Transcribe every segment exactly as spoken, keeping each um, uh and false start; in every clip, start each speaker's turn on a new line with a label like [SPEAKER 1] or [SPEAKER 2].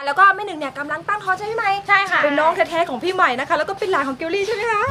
[SPEAKER 1] แล้วก็แม่หนึ่งเนี่ยกำลังตั้งท้องใช่ไหม
[SPEAKER 2] ใช่ค่ะ
[SPEAKER 1] เป็นน้องแท้ๆของพี่ใหม่นะคะแล้วก็เป็นหลานของเกลลี่ใช่ไหมคะ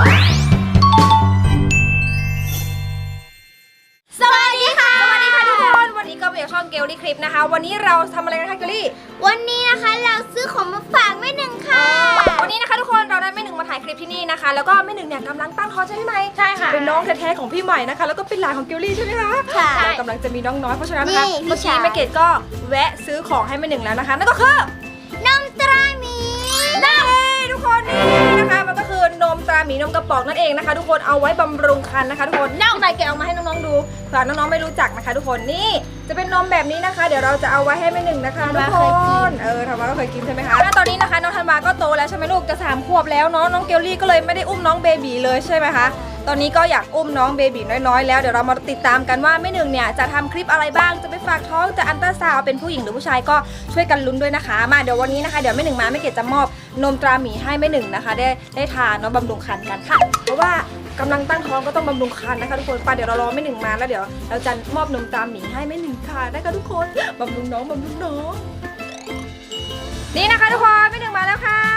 [SPEAKER 1] สวัสดีค่ะสวัสดีค่ะทุกคนวันนี้ก็เป็นช่องเกลลี่คลิปนะคะวันนี้เราทำอะไรกันคะเกลลี่
[SPEAKER 2] วันนี้นะคะเราซื้อของมาฝากแม่หนึ่งค่ะ
[SPEAKER 1] วันนี้นะคะทุกคนเราได้แม่หนึ่งมาถ่ายคลิปที่นี่นะคะแล้วก็แม่หนึ่งเนี่ยกำลังตั้งท้องใช่ไหม
[SPEAKER 2] ใช่ค่ะ
[SPEAKER 1] เป็นน้องแท้ๆของพี่ใหม่นะคะแล้วก็เป็นหลานของเกลลี่ใช่ไหมคะ
[SPEAKER 2] ค่ะ
[SPEAKER 1] เรากำลังจะมีน้องน้อยเพราะฉะนั้นนะคะ
[SPEAKER 2] นี่
[SPEAKER 1] เมื่อกี้แม่เกดก็แวะซื้อของให้แม่หนึ่งแล้วนะคะนั่นก็คือน
[SPEAKER 2] มตราหมี
[SPEAKER 1] นั่นเองทุกคนนี่นะคะมันก็คือนมตราหมีนมกระป๋องนั่นเองนะคะทุกคนเอาไว้บำรุงครรภ์นะคะทุกคนน่าใจแกะออกมาให้น้องๆดูเผื่อน้องๆไม่รู้จักนะคะทุกคนนี่จะเป็นนมแบบนี้นะคะ เดี๋ยวเราจะเอาไว้ให้แม่หนึ่งนะคะทุกคนเออธันวาก็เคยกินใช่ไหมคะแล้วตอนนี้นะคะน้องธันวาก็โตแล้วใช่ไหมลูกจะสามขวบแล้วเนาะน้องเกลลี่ก็เลยไม่ได้อุ้มน้องเบบีเลยใช่ไหมคะตอนนี้ก็อยากอุ้มน้องเบบีน้อยๆแล้วเดี๋ยวเรามาติดตามกันว่าแม่หนึ่งเนี่ยจะทำคลิปอะไรบ้างจะไปฝากท้องจะอัลตราซาวด์เป็นผู้หญิงหรือผู้ชายก็ช่วยกันลุ้นด้วยนะคะมาเดี๋ยววันนี้นะคะเดี๋ยวแม่หนึ่งมาแม่เกดจะมอบนมตราหมีให้แม่หนึ่งนะคะได้ได้ทานเนาะบำรุงครรภ์กันค่ะเพราะว่ากำลังตั้งท้องก็ต้องบำรุงครรภ์นะคะทุกคนไปเดี๋ยวเรารอแม่หนึ่งมาแล้วเดี๋ยวเราจะมอบนมตราหมีให้แม่หนึ่งค่ะนะคะทุกคนบำรุงน้องบำรุงน้องนี่นะคะทุกคนแม่หนึ่งมาแล้วค่ะ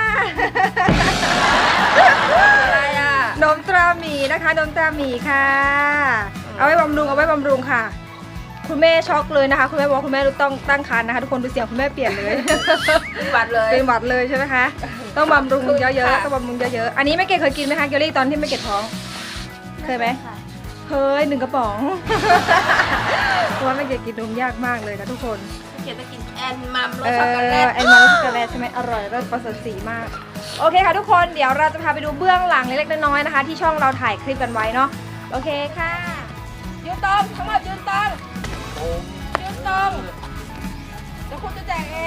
[SPEAKER 1] อะไรอะนมตราหมีนะคะนมตราหมีค่ะเอาไว้บำรุงเอาไว้บำรุงค่ะคุณแม่ช็อกเลยนะคะคุณแม่บอกคุณแม่ต้องตั้งครรภ์นะคะทุกคนดูเสียงคุณแม่เปลี่ยนเลยเป็นหวัดเลยเป็นหวัดเลยใช่ไหมคะต้องบำรุงเยอะๆต้องบำรุงเยอะๆอันนี้แม่เกดเคยกินไหมคะเกลลี่ตอนที่แม่เกดท้องเคยไหมเคยหนึ่งกระป๋องเพราะว่าแม่เกดกินนมยากมากเลยนะทุกคน
[SPEAKER 2] เกียรติกินแอนมัมร
[SPEAKER 1] เอ
[SPEAKER 2] สช็อกโกแล
[SPEAKER 1] อ
[SPEAKER 2] ต
[SPEAKER 1] แอนมาช็อกโกแลตใช่ไหมอร่อยรสประเสริฐสีมากโอเคค่ะทุกคนเดี๋ยวเราจะพาไปดูเบื้องหลังเล็กๆน้อยๆนะคะ ที่ช่องเราถ่ายคลิปกันไว้เนาะโอเคค่ะยืนตรงทั้งหมดยืนตรงยืนตรงเดี๋ยวคุณจะแจกเอง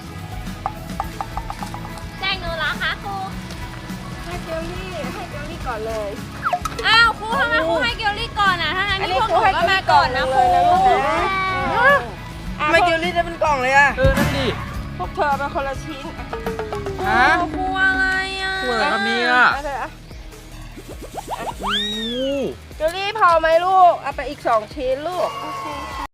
[SPEAKER 2] แจ้งหนูเหรอคะครู
[SPEAKER 1] ให้เกลลี่ให้เกลลี่ก่อนเลย
[SPEAKER 2] อ้าวครูทำไมครูให้เกลลี่ก่อนอ่ะถ้างั้นนี่พวกหนูก็มาก่อนนะครู
[SPEAKER 1] ทำ
[SPEAKER 3] ทำไมเกลลี่ได้เป็นกล่องเลยอะ
[SPEAKER 4] เออ นั่นดิ
[SPEAKER 1] พวกเธอเป็นคนละชิ้น
[SPEAKER 4] ฮะ
[SPEAKER 2] ครูอะไรอ่ะ
[SPEAKER 4] สวยครับเนี่ย
[SPEAKER 1] เอาเถอะ
[SPEAKER 4] โอ้
[SPEAKER 1] เกลลี่พอไหมลูกเอาไปอีกสองชิ้นลูก
[SPEAKER 2] โอเคค่ะ